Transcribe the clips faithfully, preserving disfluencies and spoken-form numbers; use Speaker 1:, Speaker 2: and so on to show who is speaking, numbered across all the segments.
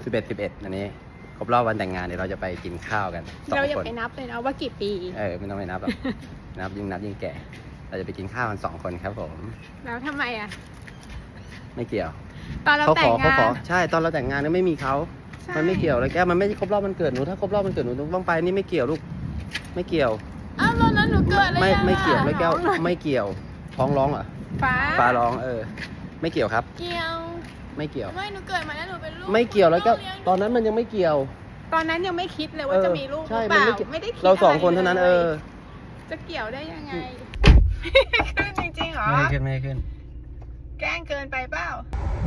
Speaker 1: สิบเอ็ด สิบเอ็ดอันนี้ครบรอบวันแต่งงานเดี๋ยวเราจะไปกินข้าวกันสองคนเราอย่า
Speaker 2: ไปนับเลยนะว่ากี่ปี
Speaker 1: เออไม่ต้องไปนับหรอก นับยิ่งนับยิ่งแก่เราจะไปกินข้าวกันสองคนครับผม
Speaker 2: แล้วทำไมอ่ะ
Speaker 1: ไม่เกี่ยว
Speaker 2: ตอนเราแต่งงาน
Speaker 1: ใช่ตอนเราแต่งงานเนี่ยไม่มีเขามันไม่เกี่ยวเลยแกมันไม่ครบรอบมันเกิดหนูถ้าครบรอบมันเกิดหนูต้องไปนี่ไม่เกี่ยวลูกไม่เกี่ยว
Speaker 2: อ้าวแล้วหนูเกิดอะไร
Speaker 1: ไม่ไม่เกี่ยวแล้วแก้วไม่เกี่ยวท้องร้องเหรอ
Speaker 2: ฟ้า
Speaker 1: ฟ้าร้องเออไม่เกี่ยวครับ
Speaker 2: เกี่ยว
Speaker 1: ไม่เกี่ยว
Speaker 2: ไม่หนูเกิดมาแล้วหนูเป็นลูก
Speaker 1: ไม่เกี่ยวแล้วก็ตอนนั้นมันยังไม่เกี่ยว
Speaker 2: ตอนนั้นยังไม่คิดเลยว่าจะมีลูกหรือเปล่าไม่ได้คิด
Speaker 1: เราสองคนเท่านั้นเออ
Speaker 2: จะเกี่ยวได้ยังไงขึ้นจริงๆเหรอ
Speaker 1: ไม่ขึ้นไม่ขึ้น
Speaker 2: แกล้งเกินไปเปล่า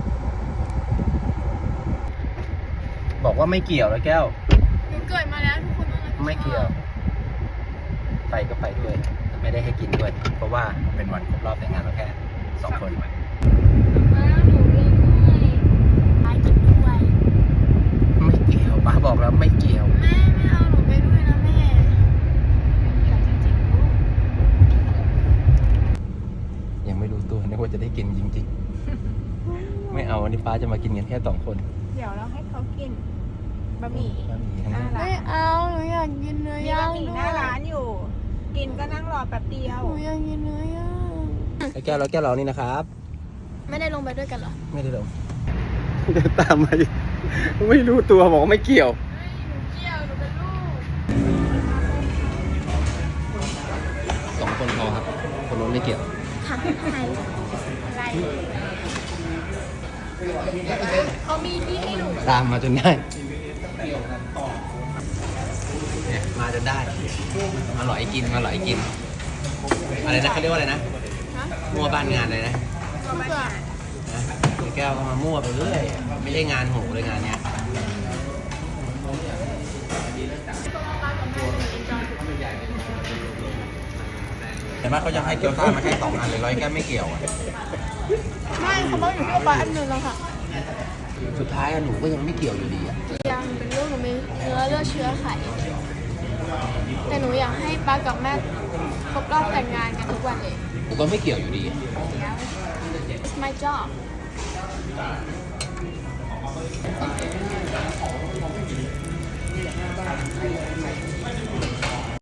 Speaker 1: บอกว่าไม่เกี่ยวแล้วแก้ว
Speaker 2: หนูเกิดมาแล้วทุกคน
Speaker 1: ไม่เกี่ยวไปก็ไปด้วยไม่ได้ให้กินด้วยเพราะว่าเป็นวันครบรอบแต่งงานเราแค่สองคนไม่เกี่ยวป้าบอกแล้วไม่เกี่ยว
Speaker 2: แม่ไม่เอาหนูไปด้วยนะแม่เกี่ยวจริงๆลูก
Speaker 1: ยังไม่รู้ตัวนึกว่าจะได้กินจริงๆไม่เอาวันนี้ป้าจะมากินกันแค่สองคน
Speaker 2: เดี๋ยวเราให้เขากินบะหมี่
Speaker 1: บะหมี่ทั้งนั้น
Speaker 2: ไม่เอาหนูอยากกินเนื้อย่างมีบะหมี่หน้าร้านอยู่กินก็นั่งรอแป๊บเดียวหนูอยากกินเนื้อย่าง
Speaker 1: แล้วแก้วแล้วแก้วเรานี่นะครับ
Speaker 2: ไม่ได้ลงไปด้วยกันเหรอ
Speaker 1: ไม่ได้ลงเดินตามมาไม่รู้ตัวบอกว่าไม่เกี่ยว
Speaker 2: หนูเกี่ยวหนูเป็นลูก
Speaker 1: สองคนพอครับคนนู้นไม่เกี่ยว
Speaker 2: ค่ะใครอะไรเขามีที่ให้หนู
Speaker 1: ตามมาจนได้เนี่ยมาจนได้มาหล่อยกินมาหล่อยกินอะไรนะเขาเรียกว่าอะไรนะมั่วบ้านงานเลยนะ
Speaker 2: มั่ว
Speaker 1: แก้วก็มามั่วไปเรื่อยไม่ใช่งานโหเลยงานเนี้ยเห็นไหมเขาจะให้เกี๊ยวซ่ามาแค่สองอันเลยร้อยแก้วไม่เกี่ยวอ่ะ
Speaker 2: ไม่เขาบอกอยู่ที่ปลาอันหนึ่งแล้วค่ะ
Speaker 1: สุดท้ายหนูก็ยังไม่เกี่ยวอยู่ดีอ่ะ
Speaker 2: ยังเป็นลูกหนูมีเนื้อเลือดเชื้อไขแต่หนูอยากให้ป้ากับแม่ครบรอบแต่งงานกันทุกวันเลย
Speaker 1: หนูก็ไม่เกี่ยวอยู่ดี
Speaker 2: It's my job
Speaker 1: เ